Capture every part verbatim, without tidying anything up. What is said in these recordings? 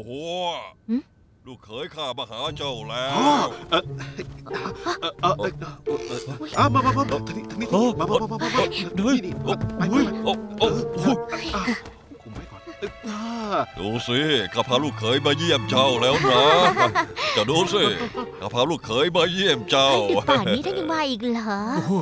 หัวลูกเขยข้ามาหาเจ้าแล้พ่อวเออเออเออเออเอออ่ะมามามาทางนี้ทางนี้มามามามามานี่นี่ไปไปโอ้โอ้โอ้คุมไว้ก่อนอ่าดูสิข้าพาลูกเขยมาเยี่ยมเจ้าแล้วนะจะดูสิข้าพาลูกเขยมาเยี่ยมเจ้าดึกป่านนี้ท่านยังมาอีกเหรอโอ้โห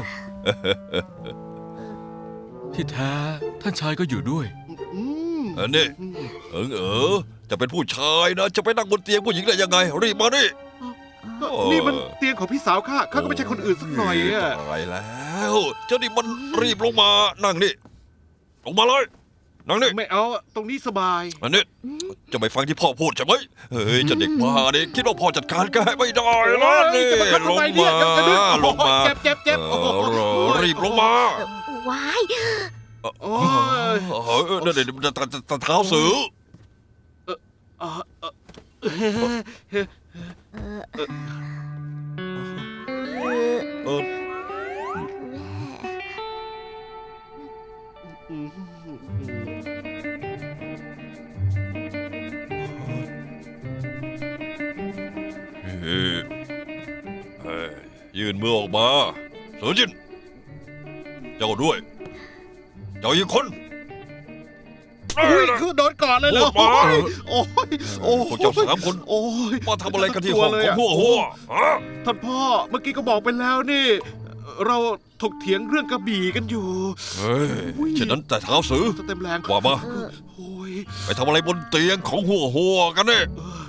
ที่แท้ท่านชายก็อยู่ด้วยอืมอันนี้เอิงเออจะเป็นผู้ชายนะจะไปนั่งบนเตียงผู้หญิงได้ยังไงรีบมาดิก็นี่มันเตียงของพี่สาวข้าข้าก็ไม่ใช่คนอื่นสักหน่อยอ่ะตายแล้วเจ้านี่มันรีบลงมานั่งนี่ลงมาเลยนั่งนี่ไม่เอาตรงนี้สบายอันนี้จะไปฟังที่พ่อพูดใช่ไหมเฮ้ยเจะเด็กบ้าเนี่ยคิดว่าพ่อจัดการแกไม่ได้แล้วนี่จะมาทำลไมงเนี่มายจะดึงลงมาเจ็บเจ็บเจ็บเอโอ้โหอรีบลงมาว้ายโอ้ยเออเดี๋ยวเดี๋ยวเท้าสืออ่าเออเออเอออืมเฮ้ยเฮ้ยยื่นมือออกมาเสือจินเจ้าด้วยเจ้าอีกคนอุ้ยคือโดนก่อนเลยเหรอพูดมาโอ้ยโอ้ยพวกเจ้าสามคนโอ้ยมาทำอะไรกันที่ห้องของหัวหัวฮะท่านพ่อเมื่อกี้ก็บอกไปแล้วนี่ เราถกเถียงเรื่องกระบี่กันอยู่เฮ้ยฉะนั้นแต่เท้าสือสเต็มแรงว่ามาโอ้ยไปทำอะไรบนเตียงของหัวหัวกันเนี่ย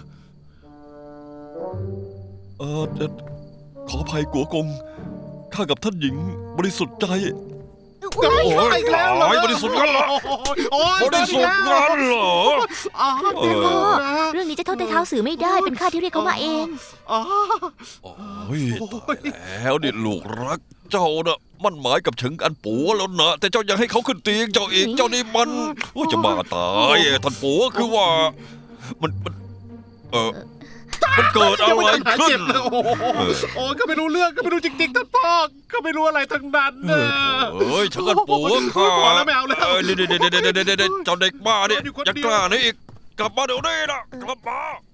เออเอ่อขออภัยกัวกงข้ากับท่านหญิงบริสุทธิ์ใจว้ายโอ้ยอีกแล้วเหรอตายบริสุทธิ์กันเหรอโอ้ยบริสุทธิ์กันเหรออ้าวเออพ่อเรื่องนี้จะโทษแต่เท้าสื่อไม่ได้เป็นข้าที่เรียกเขามาเองอ้าวโอ้ยตายแล้วนี่ลูกรักเจ้าน่ะมันหมายกับเฉิงอันปัวแล้วนะแต่เจ้ายังให้เขาขึ้นเตียงเจ้าอีกเจ้านี่มันโอ้ยจะบ้าตายท่านปัวคือว่ามันมันเออมันเกิดอะไรหายขึ้เจ็นบเลยโอ้โหโอ้ยก็ไม่รู้เรื่องก็ไม่รู้จริงๆท่านพ่อก็ไม่รู้อะไรทั้งนั้นเนอะเอ้ยเฉิงอันปัวข้าพอแล้วไม่เอาแล้วเอ้ยเดี๋ยวเดี๋ยวเดี๋ยวเดี๋ยวเดี๋ยวเดี๋ยวเจ้าเด็กบ้าเนี่ยอยู่คนอย่าเดียวกล้านี่อีกกลับมาเดี๋ยวนี้นะกลับมา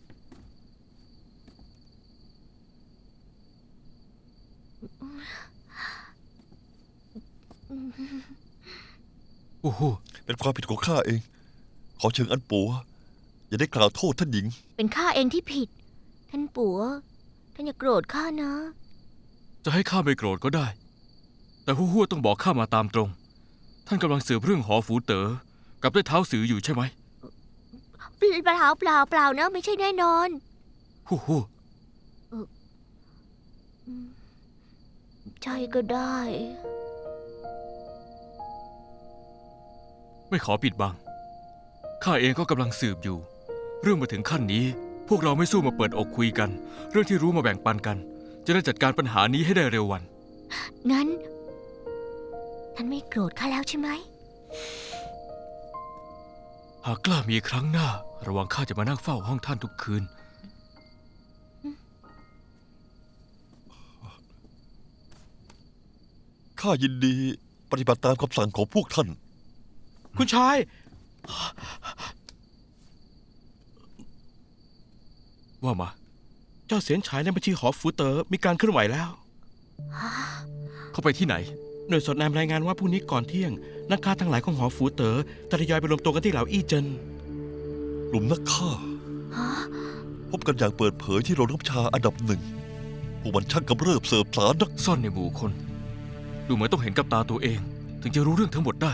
โอ้โหเป็นความผิดของข้าเอง ขอเชิงอันปัวอย่าได้กล่าวโทษท่านหญิงเป็นข้าเองที่ผิด ท่านปัวท่านอย่าโกรธข้านะจะให้ข้าไม่โกรธก็ได้ แต่หัวหัวต้องบอกข้ามาตามตรง ท่านกำลังสืบเรื่องหอฝูเต๋อกับได้เท้าสืออยู่ใช่ไหมเปล่าเปล่าเปล่านะไม่ใช่แน่นอนหัวหัวใช่ก็ได้ไม่ขอปิดบัง ข้าเองก็กำลังสืบอยู่ เรื่องมาถึงขั้นนี้ พวกเราไม่สู้มาเปิดอกคุยกัน เรื่องที่รู้มาแบ่งปันกัน จะได้จัดการปัญหานี้ให้ได้เร็ววันงั้น ท่านไม่โกรธข้าแล้วใช่ไหมหากกล้ามีครั้งหน้า ระวังข้าจะมานั่งเฝ้าห้องท่านทุกคืนข้ายินดีปฏิบัติตามคำสั่งของพวกท่านคุณชายว่ามาเจ้าเสียนฉายในบัญชีหอฟูเต๋อมีการเคลื่อนไหวแล้วเขาไปที่ไหนหน่วยสอดแนมรายงานว่าพรุ่งนี้ก่อนเที่ยง นักฆ่าทั้งหลายของหอฟูเต๋อจะทยอยไปรวมตัวกันที่เหลาอี้เจินกลุ่มนักฆ่า พบกันอย่างเปิดเผยที่โรงน้ำชาอันดับหนึ่งพวกมันช่างกำเริบเสิร์ฟสารนักซ่อนในหมู่คน ดูเหมือนต้องเห็นกับตาตัวเอง ถึงจะรู้เรื่องทั้งหมดได้